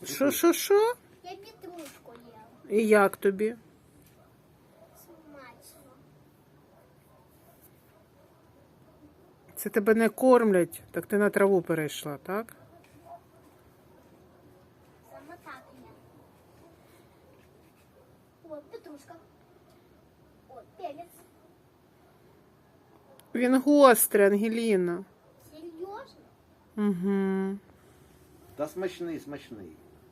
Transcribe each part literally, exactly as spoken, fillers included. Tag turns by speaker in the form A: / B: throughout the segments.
A: Що, що, що?
B: Я петрушку ела.
A: І як тобі?
B: Смачно.
A: Це тебе не кормлять, так ти на траву перейшла, так?
B: Саме так я. Вот петрушка. Вот перец.
A: Він гострий, Ангеліна.
B: Серьезно?
A: Угу.
C: Та смачний, смачний.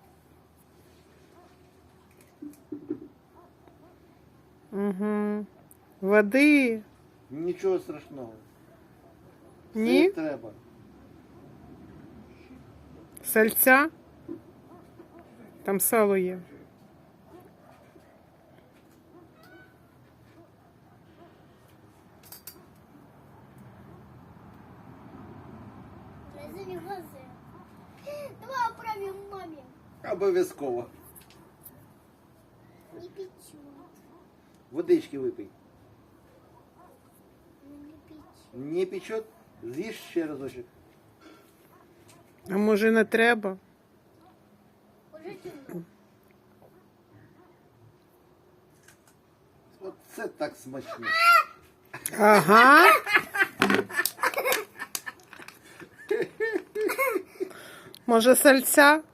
A: Угу. Води?
C: Нічого страшного.
A: Ні?
C: Все треба.
A: Сальця? Там сало є.
B: Разыми глаза. Давай отправим маме.
C: Обов'язково.
B: Не печет.
C: Водички випий.
B: Ну, не печет.
C: Не печет? З'їж ще разочок.
A: А може не треба?
B: Уже темно.
C: Оце так смачно.
A: Ага. Може сальця?